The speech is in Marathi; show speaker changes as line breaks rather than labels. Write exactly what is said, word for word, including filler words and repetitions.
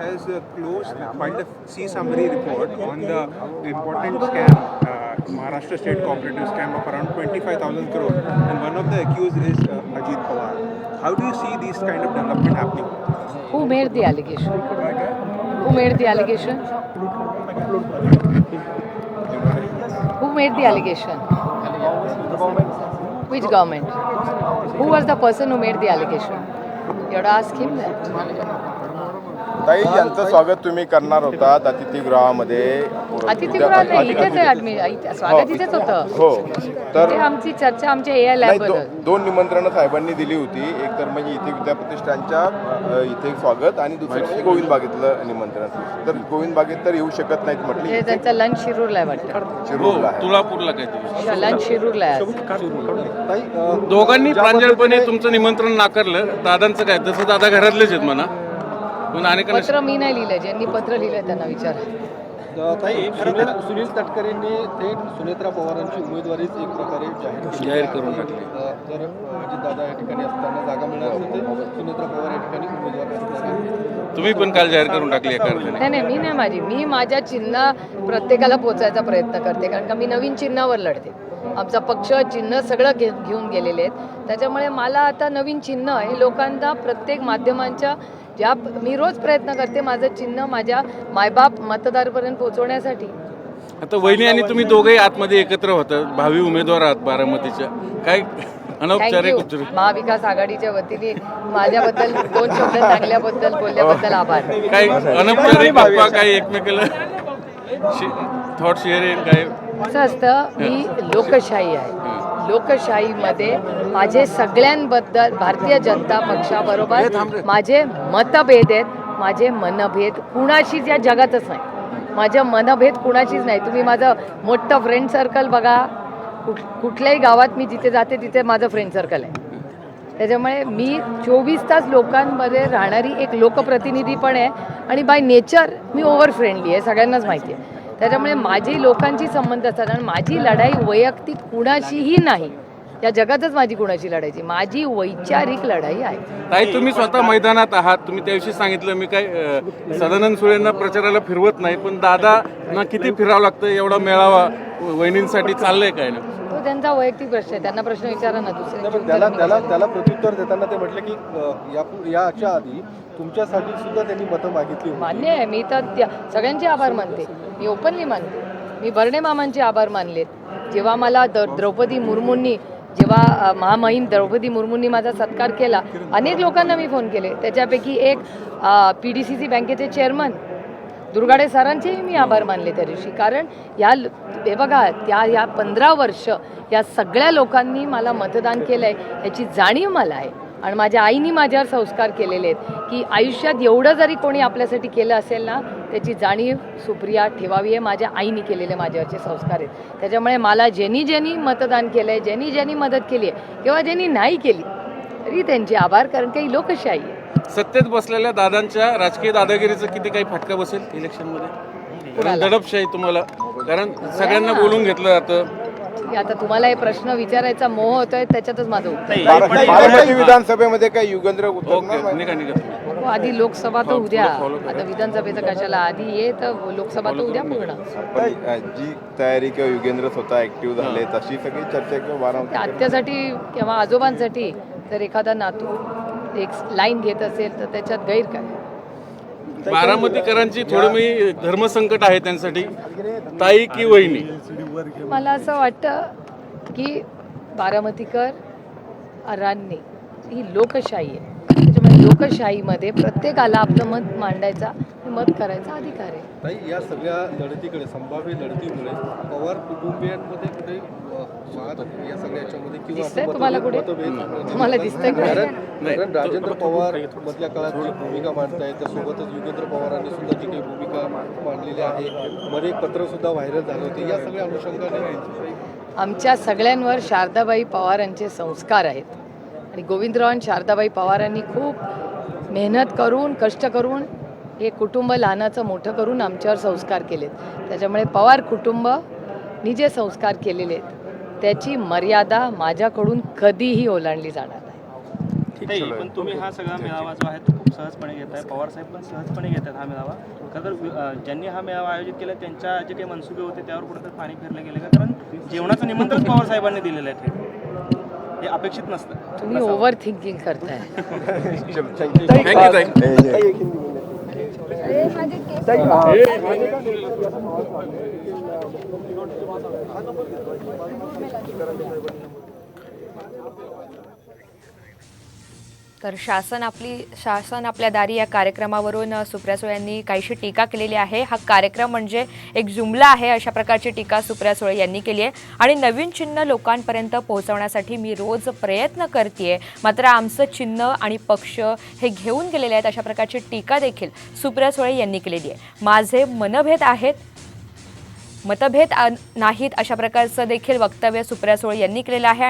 has uh, closed, filed a C summary report on the important scam, uh, Maharashtra State Cooperative scam of around twenty-five thousand crore, and one of the accused is uh, Ajit Pawar. How do you see these kind of development happening?
Who made the allegation? Who made the allegation? Who made the allegation? Which government? Who was the person who made the allegation? You have to ask him that.
ताई यांचं स्वागत तुम्ही करणार होतात अतिथीगृहामध्ये.
अतिथीगृहात नाही, इथेच आहे आम्ही इथे- स्वागत इथेच होतं.
हो तर
ते आमची चर्चा आमच्या ए आय
नाही,
लॅब
दो-
बद्दल.
दोन निमंत्रणं साहेबांनी दिली होती. एक तर म्हणजे इथे विद्याप्रतिष्ठानच्या अ, इथे स्वागत आणि दुसरं म्हणजे गोविंद बागेतलं निमंत्रण. तर गोविंद बागेत तर येऊ शकत नाहीत म्हटले.
ते त्यांचा लंच शिरूरला आहे वाटतं.
शिरूरला आहे.
तुळापूरला काय
लंच शिरूरला आहे आज.
दोघांनी प्रांजळपणे तुमचं निमंत्रण नाकारलं. दादांचं काय? तसं दादा घरातलेच आहेत म्हणा, पण अनेकांना
पत्र मी नाही लिहिलंय, ज्यांनी पत्र लिहिलंय त्यांना विचारा.
ताई सुनील सुनील तटकरेंनी थेट सुनेत्रा पवारांची उमेदवारीच एक प्रकारे जाहीर केली
जाहीर
आहे.
करून टाकली.
अ, जर अजितदादा या ठिकाणी असताना जागा मिळणार असेल तर सुनेत्रा पवार या ठिकाणी उमेदवार असणार आहेत.
तुम्ही पण काल जाहीर करून टाकली एका अर्थाने.
नाही नाही, मी नाही माझी मी माझ्या चिन्ह प्रत्येकाला पोचायचा प्रयत्न करते, कारण का मी नवीन चिन्हावर लढते. आमचा पक्ष चिन्ह सगळं घे घेऊन गेलेले आहेत. त्याच्यामुळे मला आता नवीन चिन्ह हे लोकांना प्रत्येक माध्यमांच्या ज्या मी रोज प्रयत्न करते माझं चिन्ह माझ्या मायबाप मतदारपर्यंत पोहोचवण्यासाठी.
आता वहिनी आणि तुम्ही दोघेही आतमध्ये एकत्र होता, भावी उमेदवार आहात बारामतीच्या. काय अनौपचारिक
थँक्यू. महाविकास आघाडीच्या वतीने माझ्याबद्दल दोन शब्द चांगल्याबद्दल बोलल्याबद्दल आभार.
काय अनौपचारिक गप्पा, काही एकमेकाला थॉट शेअरिंग काय?
असं असतं, मी लोकशाही आहे. लोकशाहीमध्ये माझे सगळ्यांबद्दल भारतीय जनता पक्षाबरोबर माझे मतभेद आहेत. माझे मनभेद कुणाशीच या जगातच नाही. माझं मनभेद कुणाशीच नाही. तुम्ही माझं मोठं फ्रेंड सर्कल बघा. कुठ कुठल्याही गावात मी जिथे जाते तिथे माझं फ्रेंड सर्कल आहे. त्याच्यामुळे मी चोवीस तास लोकांमध्ये राहणारी एक लोकप्रतिनिधी पण आहे आणि बाय नेचर मी ओव्हर फ्रेंडली आहे, सगळ्यांनाच माहिती आहे. त्याच्यामुळे माझी लोकांची संबंध असतात आणि माझी लढाई वैयक्तिक कुणाशीही नाही. या जगातच माझी कुणाशी लढायची, माझी वैचारिक लढाई आहे.
ताई तुम्ही स्वतः मैदानात आहात, तुम्ही त्याविषयी सांगितलं. मी काय अ, सदानंद सुळेंना प्रचाराला फिरवत नाही, पण दादांना किती फिरावं लागतं एवढा मेळावा वहिनींसाठी चाललंय काय ना?
तो त्यांचा वैयक्तिक प्रश्न आहे, त्यांना प्रश्न विचारा ना. दुसऱ्यांची
पण
उत्तरं
त्याला
मी
त्याला
कशी-
त्याला प्रत्युत्तर देताना ते म्हटले की अ, या याच्या आधी तुमच्यासाठी सुद्धा त्यांनी मतं मागितली होती.
मान्य आहे. मी तर त्या सगळ्यांचे आभार मानते. मी ओपनली मानते. मी बर्णे मामांचे आभार मानलेत. जेव्हा मला द द्रौपदी मुर्मूंनी जेव्हा अ, महामहिम द्रौपदी मुर्मूंनी माझा सत्कार केला, अनेक लोकांना मी फोन केले. त्याच्यापैकी एक पी डी सी सी बँकेचे चेअरमन दुर्गाडे सरांचेही मी आभार मानले त्या दिवशी. कारण या हे बघा, त्या या पंधरा वर्ष या सगळ्या लोकांनी मला मतदान केलं आहे याची जाणीव मला आहे. आणि माझ्या आईनी माझ्यावर संस्कार केलेले आहेत की आयुष्यात एवढं जरी कोणी आपल्यासाठी केलं असेल ना, त्याची जाणीव सुप्रिया ठेवावी आहे. माझ्या आईनी केलेले माझ्यावरचे संस्कार आहेत. त्याच्यामुळे मला ज्यांनी ज्यांनी मतदान केलं आहे, ज्यांनी ज्यांनी मदत केली आहे किंवा ज्यांनी नाही केली तरी त्यांचे आभार, कारण काही लोकशाही आहे.
सत्तेत बसलेल्या दादांच्या राजकीय दादागिरीचं किती काही फटका बसेल इलेक्शनमध्ये? कारण
कुणाला?
दडपशाही तुम्हाला, कारण सगळ्यांना बोलून घेतलं जातं.
की आता तुम्हाला हे प्रश्न विचारायचा मोह होतोय, त्याच्यातच माझं उत्तर आहे.
बारा- बारामती विधानसभेमध्ये काय युगेंद्र
ओके,
उतरणार?
निघा निघा तुम्ही.
हो, आधी लोकसभा तर
हो,
उद्या.
follow करा.
आता विधानसभेचं कशाला, आधी ये तर लोकसभा तर उद्या पूर्ण.
पण, अ, जी तयारी किंवा युगेंद्र स्वतः ऍक्टिव्ह झाले तशी सगळी चर्चा किंवा बारामती
आत्यासाठी किंवा आजोबांसाठी जर एखादा नातू एक लाईन घेत असेल तर त्याच्यात गैर काय.
बारामतीकरांची थोडी मी धर्मसंकट आहे त्यांसाठी, ताई की वहिनी?
मला असं वाटतं की बारामतीकर रान्नी ही लोकशाही आहे. त्याच्यामुळे लोकशाहीमध्ये प्रत्येकाला आपलं मत मांडायचा, मत करायचा अधिकार आहे.
ताई या सगळ्या लढतीकडे, संभाव्य लढतीमुळे पवार कुटुंबियांमध्ये कुठे अ, वाद या सगळ्या याच्यामध्ये किंवा
दिसतंय
असं
तुम्हाला
मतभेद-
कुठे?
मतभेद-
तुम्हाला दिसतंय कुठे?
कारण
नाही.
कारण राजेंद्र पवार मधल्या काळात जी भूमिका मांडतायत त्यासोबतच युगेंद्र पवारांनी सुद्धा जी काही भूमिका मांडलेली आहे, मध्ये एक पत्र सुद्धा व्हायरल झालं होते. या सगळ्या अनुषंगाने
आमच्या सगळ्यांवर शारदाबाई पवारांचे संस्कार आहेत आणि गोविंदराव आणि शारदाबाई पवारांनी खूप मेहनत करून, कष्ट करून हे कुटुंब लहानाचं मोठं करून आमच्यावर संस्कार केलेत. त्याच्यामुळे पवार कुटुंबनी जे संस्कार केलेले आहेत त्याची मर्यादा माझ्याकडून कधीही ओलांडली जाणार नाही.
ताई, पण तुम्ही हा सगळा मेळावा जो आहे तो खूप सहजपणे घेताय. पवार साहेब पण सहजपणे घेतात हा मेळावा. खरं तर अ, ज्यांनी हा मेळावा आयोजित केला त्यांच्या जे काही मनसुबे होते त्यावर कुठेतरी पाणी फिरलं गेलं का? कारण जेवणाचं निमंत्रण पवार साहेबांनी दिलेलं आहे ते. हे अपेक्षित नसतं.
तुम्ही ओव्हर थिंकिंग करताय.
थँक्यू ताई.
तर शासन आपली शासन आपल्या दारी या कार्यक्रमावरून अ, सुप्रिया सुळे यांनी काहीशी टीका केलेली आहे. हा कार्यक्रम म्हणजे एक जुमला आहे अशा प्रकारची टीका सुप्रिया सुळे यांनी केली आहे. आणि नवीन चिन्ह लोकांपर्यंत पोहोचवण्यासाठी मी रोज प्रयत्न करते, मात्र आमचं चिन्ह आणि पक्ष हे घेऊन गेलेले आहेत अशा प्रकारची टीका देखील सुप्रिया सुळे यांनी केलेली आहे. माझे मनभेद आहेत, मतभेद नाहीत अशा प्रकारचं देखील वक्तव्य सुप्रिया सुळे यांनी केलेलं आहे.